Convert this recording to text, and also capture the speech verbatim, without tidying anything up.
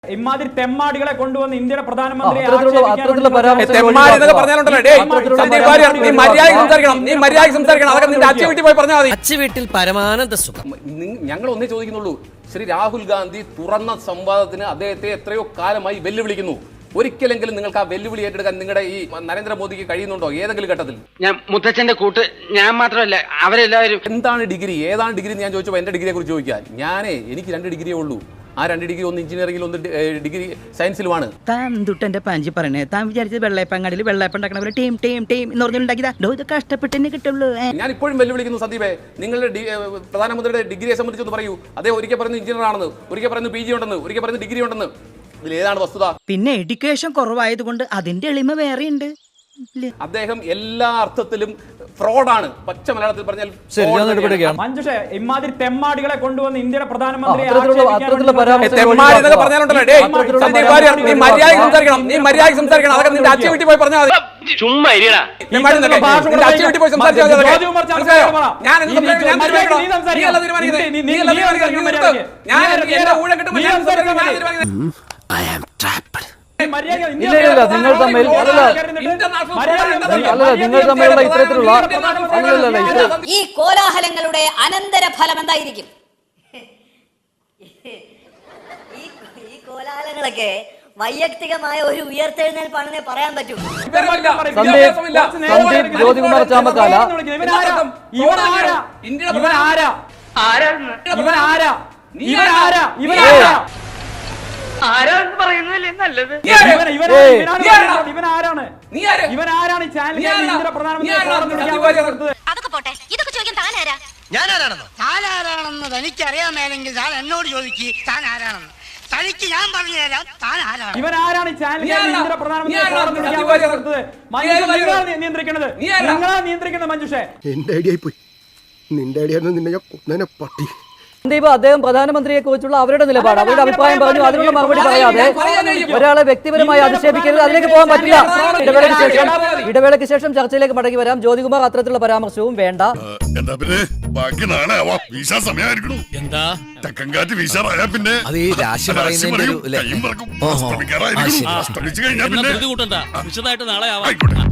ഇമാതിരി തെമ്മാടികളെ കൊണ്ടുവന്ന് ഇന്ത്യയുടെ പ്രധാനമന്ത്രി വീട്ടിൽ പരമാനന്ദ സുഖം. ഞങ്ങൾ ഒന്നേ ചോദിക്കുന്നുള്ളൂ, ശ്രീ രാഹുൽ ഗാന്ധി തുറന്ന സംവാദത്തിന് അദ്ദേഹത്തെ എത്രയോ കാലമായി വെല്ലുവിളിക്കുന്നു. ഒരിക്കലെങ്കിലും നിങ്ങൾക്ക് ആ വെല്ലുവിളി ഏറ്റെടുക്കാൻ നിങ്ങളുടെ ഈ നരേന്ദ്രമോദിക്ക് കഴിയുന്നുണ്ടോ ഏതെങ്കിലും ഘട്ടത്തിൽ? ഞാൻ മുത്തച്ഛന്റെ കൂട്ട് ഞാൻ മാത്രമല്ല അവരെല്ലാവരും. എന്താണ് ഡിഗ്രി, ഏതാണ് ഡിഗ്രി ഞാൻ ചോദിച്ചപ്പോൾ എന്റെ ഡിഗ്രിയെ കുറിച്ച് ചോദിക്കാൻ, ഞാനേ എനിക്ക് രണ്ട് ഡിഗ്രിയേ ഉള്ളൂ. ആ രണ്ട് ഡിഗ്രി ഒന്ന് എഞ്ചിനീയറിംഗിൽ ഒന്ന് ഡിഗ്രി സയൻസിലുമാണ്. താൻ തൊട്ടെന്റെ പാഞ്ചി പറയണേ, താൻ വിചാരിച്ചത് വെള്ളയപ്പങ്ങാടിയിൽ വെള്ളയപ്പം ഉണ്ടാക്കണ ടീം ടീം ടീം എന്ന് പറഞ്ഞുണ്ടാക്കിയതാ. ഇത് കഷ്ടപ്പെട്ടെന്നെ കിട്ടുള്ളൂ. ഞാൻ ഇപ്പോഴും വെല്ലുവിളിക്കുന്നു സന്ദീപേ, നിങ്ങളുടെ പ്രധാനമന്ത്രിയുടെ ഡിഗ്രിയെ സംബന്ധിച്ചൊന്ന് പറയൂ. അദ്ദേഹം ഒരിക്കൽ പറയുന്നു എഞ്ചിനീയർ ആണെന്ന്, ഒരിക്കൽ പറയുന്നു പി ജി ഉണ്ടെന്ന്, ഒരിക്കൽ പറയുന്നു ഡിഗ്രി ഉണ്ടെന്ന്. ഇതിൽ ഏതാണ് വസ്തുത? പിന്നെ എഡ്യൂക്കേഷൻ കുറവായതുകൊണ്ട് അതിന്റെ എളിമ വേറെയുണ്ട്. അദ്ദേഹം എല്ലാ അർത്ഥത്തിലും ഫ്രോഡാണ്. പച്ച മലയാളത്തിൽ പറഞ്ഞാൽ മഞ്ജുഷേ, ഇമാതിരി തെമ്മാടികളെ കൊണ്ടുവന്ന് ഇന്ത്യയുടെ പ്രധാനമന്ത്രി ചുമ്മാ നിങ്ങൾ തമ്മിൽ അല്ല നിങ്ങൾ തമ്മിലുള്ള ഇത്തരത്തിലുള്ള ഈ കോലാഹലങ്ങളുടെ അനന്തര ഫലം എന്തായിരിക്കും? ഈ കോലാഹലങ്ങളൊക്കെ വൈയക്തികമായ ഒരു ഉയർത്തെഴുന്നേൽപ്പാണെന്നേ പറയാൻ പറ്റൂ. സന്ദീപ് ജ്യോതികുമാർ ചാമക്കാല ആരാന്ന് പറയുന്നതല്ലേ നല്ലത്. അതൊക്കെ പോട്ടെ, ഇതൊക്കെ ചോദിക്കാൻ താൻ ആരാ? ഞാനാരാണെന്നോ? താനാരാണെന്ന് തനിക്കറിയാമേലെങ്കിൽ താൻ എന്നോട് ചോദിക്ക് താൻ ആരാണെന്ന്. തനിക്ക് ഞാൻ പറഞ്ഞു തരാം താൻ ആരാണ്. ഇവനാരാണ് നിയന്ത്രിക്കുന്നത്? നിങ്ങളാ നിയന്ത്രിക്കുന്നത് മഞ്ജുഷേ. എന്റെ ഐഡിയ പോയി, നിന്റെ ഐഡിയ നിന്നെ ഞാൻ കൊന്നേനെ പട്ടി. സന്ദീപ്, അദ്ദേഹം പ്രധാനമന്ത്രിയെ കുറിച്ചുള്ള അവരുടെ നിലപാട്, അവരുടെ അഭിപ്രായം പറഞ്ഞു. അതിനുള്ള മറുപടി പറയാതെ ഒരാളെ വ്യക്തിപരമായി അധിക്ഷേപിക്കരുത്. അതിലേക്ക് പോകാൻ പറ്റില്ല. ഇടവേളയ്ക്ക് ശേഷം ഇടവേളയ്ക്ക് ശേഷം ചർച്ചയിലേക്ക് മടങ്ങി വരാം. ജ്യോതികുമാർ അത്തരത്തിലുള്ള പരാമർശവും വേണ്ട. വിശദമായിട്ട് നാളെ ആവാം.